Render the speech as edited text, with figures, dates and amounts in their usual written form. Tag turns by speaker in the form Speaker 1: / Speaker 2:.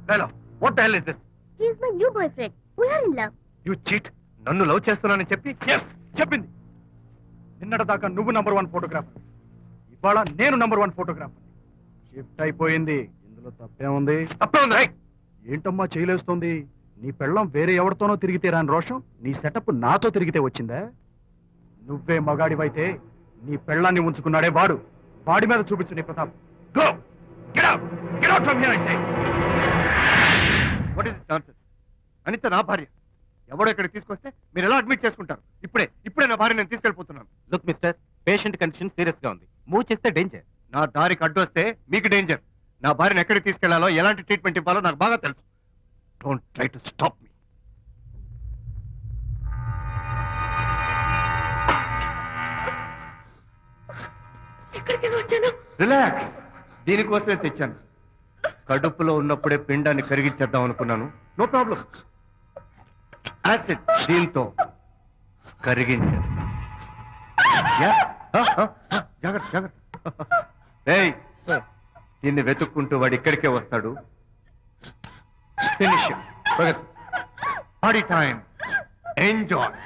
Speaker 1: Hello what the hell is this?
Speaker 2: He is my new boyfriend. We are in love.
Speaker 1: You cheat. నన్ను love చేస్తున్నానని చెప్పి
Speaker 3: చెప్పింది. నిన్నటిదాకా నువ్వు నంబర్ 1 ఫోటోగ్రాఫర్, ఇవాళ నేను నంబర్ 1 ఫోటోగ్రాఫర్. షిఫ్ట్ అయిపోయింది. ఇందులో తప్పే ఉంది?
Speaker 1: తప్పే ఉంది. రైట్.
Speaker 3: ఏంటమ్మా చేయలేస్తోంది? నీ పెళ్ళం వేరే ఎవరితోనో తిరిగితే రాని రోషం నీ సెటప్ నాతో తిరిగితే వచ్చిందా? నువ్వే మగాడివైతే నీ పెళ్ళాన్ని ఉంచుకున్నాడే వాడు, వాడి మీద చూపించు నీ ప్రతాప్.
Speaker 1: Go get out. Get out from here I say. What is this nonsense? Anitha నా భార్య. ఎవడో ఇక్కడ తీసుకొస్తే మీరు ఎలా అడ్మిట్ చేసుకుంటారు? ఇప్పుడే నా భార్య నేను తీసుకెళ్ళిపోతున్నాను.
Speaker 4: Look mister, patient condition serious గా ఉంది. మూవ్ చేస్తే డేంజర్.
Speaker 1: నా దారికి అడ్డు వస్తే మీకు డేంజర్. నా భార్యను ఎక్కడికి తీసుకెళ్లాలో, ఎలాంటి ట్రీట్మెంట్ ఇవ్వాలో నాకు బాగా తెలుసు. Don't try to stop me.
Speaker 2: ఎక్కడికి వచ్చాను?
Speaker 1: రిలాక్స్. దీనికోసమే తెచ్చాను. కడుపులో ఉన్నప్పుడే పిండాన్ని కరిగించేద్దాం అనుకున్నాను. No problem. యాసిడ్ దీంతో కరిగించేస్తా. జాగ్రత్త జాగ్రత్త. ఏయ్, దీన్ని వెతుక్కుంటూ వాడు ఇక్కడికే వస్తాడు. ఫినిష్. Body time. ఎంజాయ్.